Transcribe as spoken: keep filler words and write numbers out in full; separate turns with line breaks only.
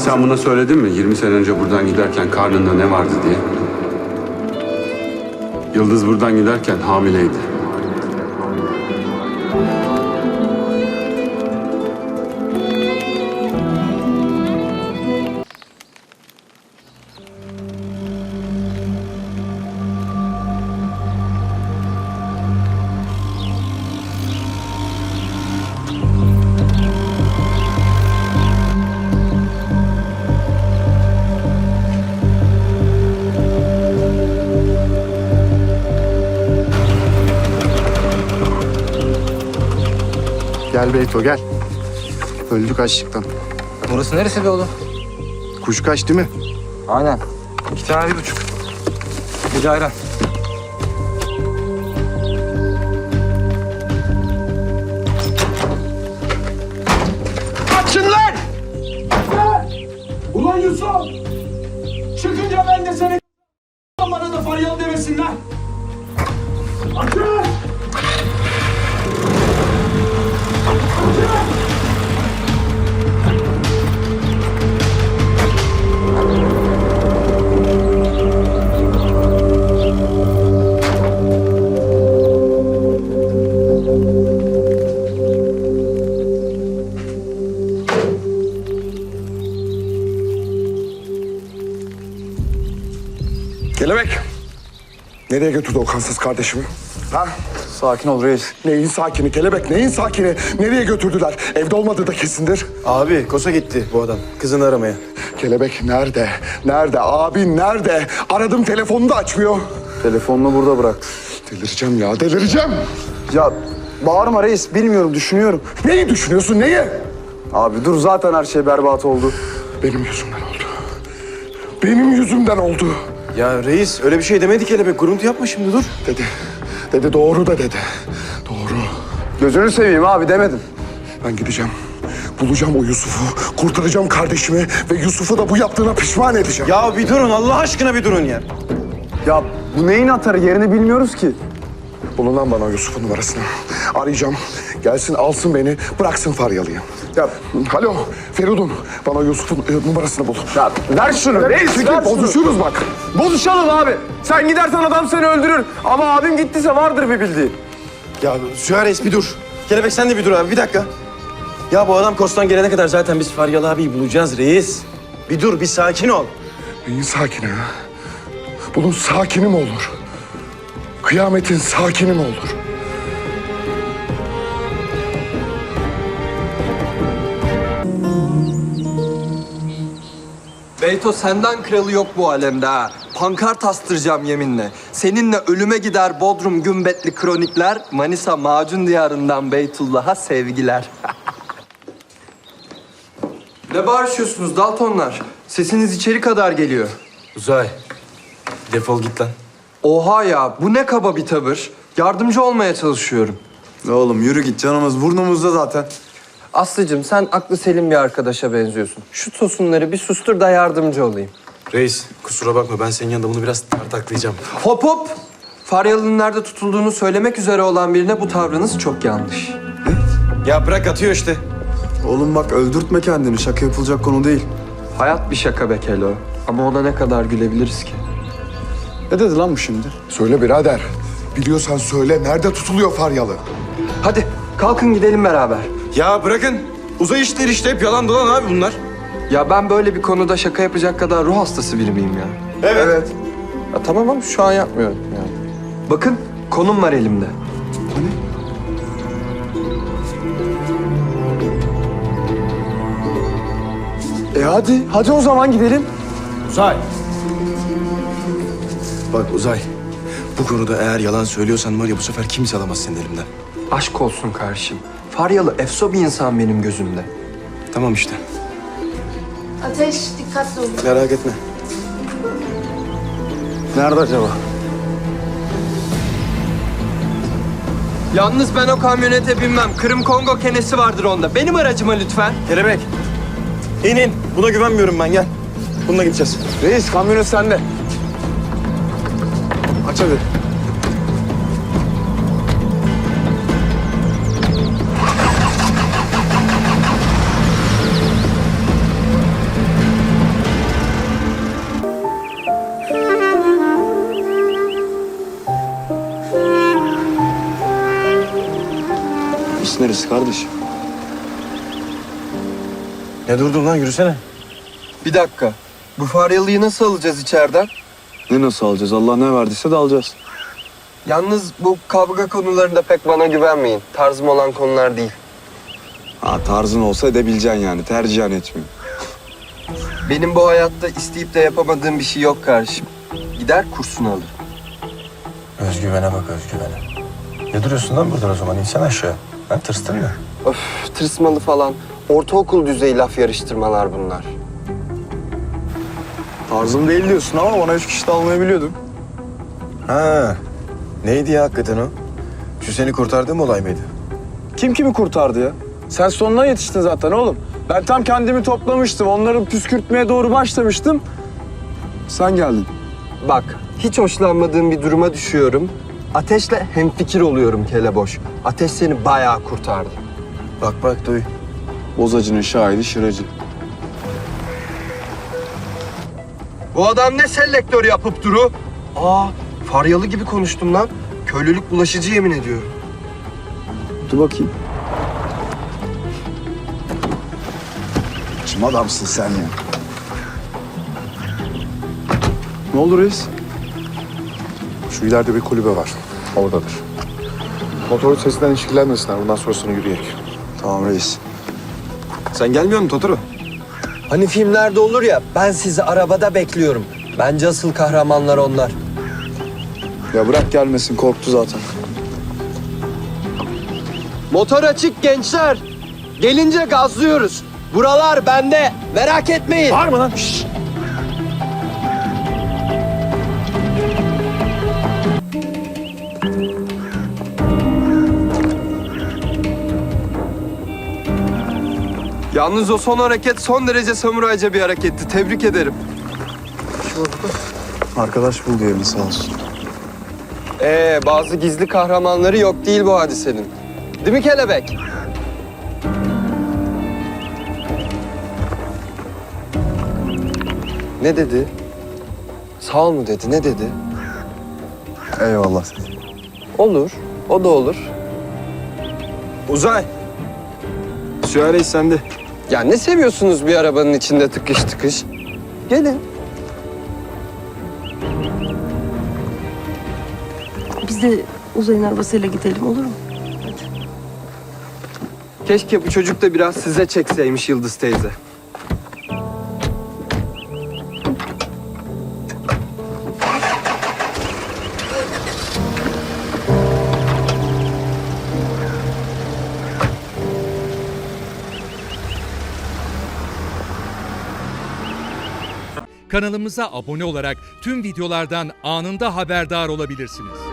Sen buna söyledin mi? yirmi sene önce buradan giderken karnında ne vardı diye. Yıldız buradan giderken hamileydi.
Gel Beyto gel. Öldük açlıktan.
Burası neresi be oğlum?
Kuşkaş değil mi?
Aynen. İki tane bir buçuk. Bir de ayran.
Açın lan! Ulan Yusuf! Çıkınca ben de seni bana da Faryalı demesinler. Açın!
Kelebek. Nereye götürdü o kansız kardeşimi? Ha?
Sakin ol reis.
Neyin sakini kelebek, neyin sakini? Nereye götürdüler? Evde olmadığı da kesindir.
Abi Kosa gitti bu adam. Kızını aramaya.
Kelebek nerede? Nerede? Abin nerede? Aradım telefonunu da açmıyor.
Telefonunu burada bıraktı.
Delireceğim ya, delireceğim.
Ya bağırma reis. Bilmiyorum, düşünüyorum.
Neyi düşünüyorsun, neyi?
Abi dur, zaten her şey berbat oldu.
Benim yüzümden oldu. Benim yüzümden oldu.
Ya reis öyle bir şey demedi kelebek. Kuruntu yapma şimdi, dur.
Dedi. Dedi doğru da dedi. Doğru.
Gözünü seveyim abi, demedim.
Ben gideceğim. Bulacağım o Yusuf'u. Kurtaracağım kardeşimi ve Yusuf'u da bu yaptığına pişman edeceğim.
Ya bir durun, Allah aşkına bir durun ya. Ya bu neyin atarı, yerini bilmiyoruz ki.
Bulun lan bana o Yusuf'un numarasını. Arayacağım. Gelsin alsın beni. Bıraksın Faryalı'yı. Ya alo Feridun. Bana Yusuf'un e, numarasını bul.
Ya ver şunu reis,
Çekil,
ver şunu.
bozuşuruz bak.
Bozuşalım abi. Sen gidersen adam seni öldürür. Ama abim gittiyse vardır bir bildiği. Ya Süha reis bir dur. Kelebek sen de bir dur abi, bir dakika. Ya bu adam Kostan gelene kadar zaten biz Faryalı abiyi bulacağız reis. Bir dur, bir sakin ol.
Neyin sakini ha? Bunun sakini mi olur? Kıyametin sakini mi olur?
Beyto senden kralı yok bu alemde ha. Pankart astıracağım yeminle. Seninle ölüme gider Bodrum gümbetli kronikler. Manisa macun diyarından Beytullah'a sevgiler. Ne bağırışıyorsunuz Daltonlar? Sesiniz içeri kadar geliyor.
Uzay, defol git lan.
Oha ya, bu ne kaba bir tavır. Yardımcı olmaya çalışıyorum.
Oğlum yürü git, canımız burnumuzda zaten.
Aslıcığım sen aklı selim bir arkadaşa benziyorsun. Şu tosunları bir sustur da yardımcı olayım.
Reis kusura bakma, ben senin yanında bunu biraz tartaklayacağım.
Hop hop! Faryalı'nın nerede tutulduğunu söylemek üzere olan birine bu tavrınız çok yanlış.
Ya bırak, atıyor işte. Oğlum bak, öldürtme kendini, şaka yapılacak konu değil.
Hayat bir şaka be Kelo. Ama ona ne kadar gülebiliriz ki?
Ne dedi lan bu şimdi?
Söyle birader. Biliyorsan söyle. Nerede tutuluyor Faryalı?
Hadi kalkın gidelim beraber.
Ya bırakın, uzay işleri işte, hep yalan dolan abi bunlar.
Ya ben böyle bir konuda şaka yapacak kadar ruh hastası biri miyim ya?
Evet. evet.
Ya tamam ama şu an yapmıyorum yani. Bakın konum var elimde.
E hadi, hadi o zaman gidelim. Uzay. Bak Uzay, bu konuda eğer yalan söylüyorsan var ya, bu sefer kimse alamaz senin elimden.
Aşk olsun kardeşim. Faryalı efso bir insan benim gözümde.
Tamam işte.
Ateş, dikkatli ol.
Merak etme. Nerede acaba?
Yalnız ben o kamyonete binmem. Kırım Kongo kenesi vardır onda. Benim aracıma lütfen.
Kelebek. İn in. Buna güvenmiyorum ben, gel. Bununla gideceğiz. Reis, kamyonet sende. Aç hadi.
gerisi kardeşim.
Ne durdun lan, yürüsene.
Bir dakika. Bu Faryalı'yı nasıl alacağız içeriden?
Ne nasıl alacağız? Allah ne verdiyse de alacağız.
Yalnız bu kavga konularında pek bana güvenmeyin. Tarzım olan konular değil.
Ha tarzın olsa edebileceksin yani. Tercihen etmiyor.
Benim bu hayatta isteyip de yapamadığım bir şey yok kardeşim. Gider kursunu alır.
Özgüvene bak, özgüvene. Ne duruyorsun lan buradan o zaman? İnsan aşağı. Ha, tırstın mı?
Öf, tırsmalı falan. Ortaokul düzeyi laf yarıştırmalar bunlar.
Tarzım değil diyorsun ama bana üç kişi de almayı biliyordum.
Ha, neydi ya hakikaten o? Şu seni kurtardığım olay mıydı?
Kim kimi kurtardı ya? Sen sonuna yetiştin zaten oğlum. Ben tam kendimi toplamıştım. Onları püskürtmeye doğru başlamıştım. Sen geldin.
Bak, hiç hoşlanmadığım bir duruma düşüyorum. Ateşle hemfikir oluyorum keleboş. Ateş seni bayağı kurtardı.
Bak bak duy.
Bozacının şahidi şıracı.
Bu adam ne selektör yapıp duru? Aa, Faryalı gibi konuştum lan. Köylülük bulaşıcı yemin ediyorum.
Dur bakayım.
Kim adamsın sen ya?
Ne olur reis?
Şu ileride bir kulübe var. Oradadır. Motorun sesinden ilişkilenmesinler. Bundan sonrasını yürüyerek.
Tamam reis.
Sen gelmiyor musun Totoro?
Hani filmlerde olur ya, ben sizi arabada bekliyorum. Bence asıl kahramanlar onlar.
Ya bırak gelmesin, korktu zaten.
Motor açık gençler. Gelince gazlıyoruz. Buralar bende. Merak etmeyin.
Var mı lan? Şşş.
Yalnız o son hareket son derece samurayca bir hareketti. Tebrik ederim.
Arkadaş buldu yerini sağ olsun.
Ee, bazı gizli kahramanları yok değil bu hadisenin. Değil mi kelebek? Ne dedi? Sağ ol mu dedi? Ne dedi?
Eyvallah.
Olur. O da olur.
Uzay. Süha Reis sende.
Ya ne seviyorsunuz bir arabanın içinde tıkış tıkış? Gelin.
Biz de Uzay'ın arabasıyla gidelim, olur mu?
Keşke bu çocuk da biraz size çekseymiş Yıldız teyze.
Kanalımıza abone olarak tüm videolardan anında haberdar olabilirsiniz.